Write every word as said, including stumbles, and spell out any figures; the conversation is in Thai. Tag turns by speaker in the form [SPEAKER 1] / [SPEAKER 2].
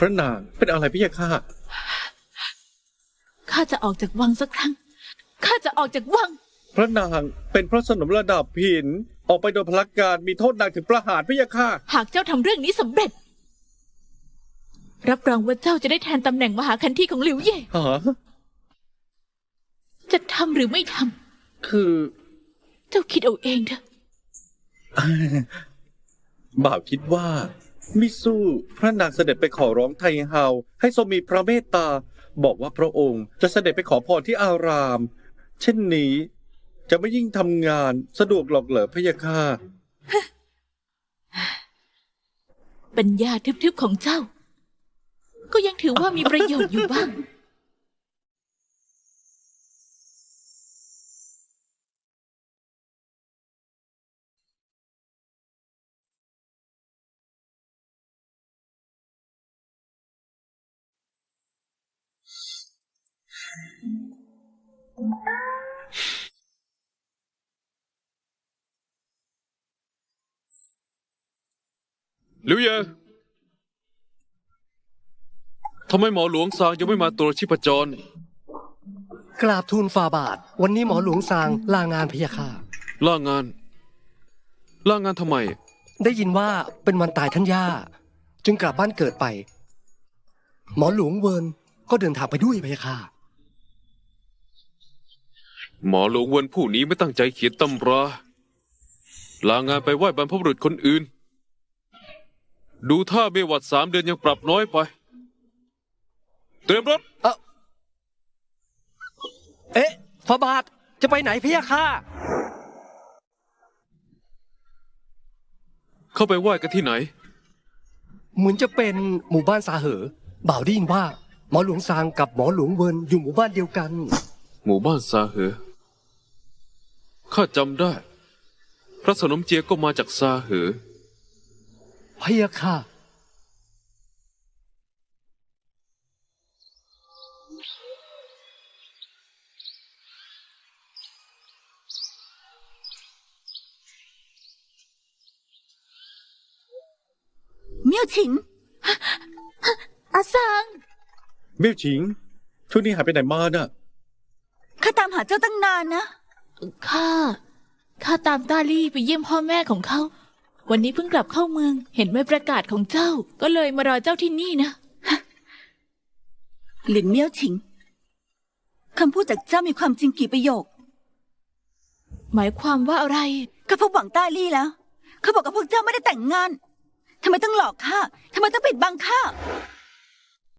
[SPEAKER 1] พระนางเป็นอะไรพี่ยาข้า
[SPEAKER 2] ข้าจะออกจากวังสักครั้งข้าจะออกจากวัง
[SPEAKER 1] พระนางเป็นพระสนมระดับหินออกไปโดยพลักการมีโทษหนักถึงประหารพี่ยาข้า
[SPEAKER 2] หากเจ้าทำเรื่องนี้สำเร็จรับรองว่าเจ้าจะได้แทนตำแหน่งมหาคันธีของหลิวเย่
[SPEAKER 1] ฮะ
[SPEAKER 2] จะทำหรือไม่ท
[SPEAKER 1] ำคือ
[SPEAKER 2] เจ้าคิดเอาเองเถอะ
[SPEAKER 1] บ่าวคิดว่ามิสู้พระนางเสด็จไปขอร้องไทเฮาให้ทรงมีพระเมตตาบอกว่าพระองค์จะเสด็จไปขอพรที่อารามเช่นนี้จะไม่ยิ่งทำงานสะดวกหรอกเหรอพะยะค่ะ
[SPEAKER 2] ปัญญาทึบๆของเจ้าก็ยังถือว่ามีประโยชน์อยู่บ้าง
[SPEAKER 3] หลิวเย่ทำไมหมอหลวงซางยังไม่มาตรวจชีพจร
[SPEAKER 4] กราบทูลฝ่าบาทวันนี้หมอหลวงซางลางานพะยะค่ะ
[SPEAKER 3] ลางานลางานทำไม
[SPEAKER 4] ได้ยินว่าเป็นวันตายท่านย่าจึงกลับบ้านเกิดไปหมอหลวงเวิร์นก็เดินทางไปด้วยพะยะค่ะ
[SPEAKER 3] หมอหลวงเวิร์นผู้นี้ไม่ตั้งใจเขียนตำราลางานไปไหว้บรรพบุรุษคนอื่นดูท่าเบวัดสามเดือนยังปรับน้อยไปเตรียมรถ
[SPEAKER 4] เออเอ๊ะฝ่าบาทจะไปไหนพะยะค่ะ
[SPEAKER 3] เข้าไปไหว้กันที่ไหน
[SPEAKER 4] เหมือนจะเป็นหมู่บ้านซาเหอบ่าวได้ยินว่าหมอหลวงซางกับหมอหลวงเวิร์นอยู่หมู่บ้านเดียวกัน
[SPEAKER 3] หมู่บ้านซาเหอข้าจำได้พระสนมเจียก็มาจากซาเหอ
[SPEAKER 4] พะยะค่ะ
[SPEAKER 2] เมี่ยวฉิงอาซาง
[SPEAKER 1] เมี่ยวฉิงช่วงนี้หายไปไหนมาน่ะ
[SPEAKER 2] ข้าตามหาเจ้าตั้งนานนะข้าข้าตามต้าลี่ไปเยี่ยมพ่อแม่ของเขาวันนี้เพิ่งกลับเข้าเมืองเห็นใบประกาศของเจ้าก็เลยมารอเจ้าที่นี่นะ
[SPEAKER 5] หลินเมี่ยวฉิงคำพูดจากเจ้ามีความจริงกี่ประโยค
[SPEAKER 2] หมายความว่าอะไร
[SPEAKER 5] ก็พบหวังต้าลี่แล้วเขาบอกกับพวกเจ้าไม่ได้แต่งงานทำไมต้องหลอกข้าทำไมต้องปิดบังข้า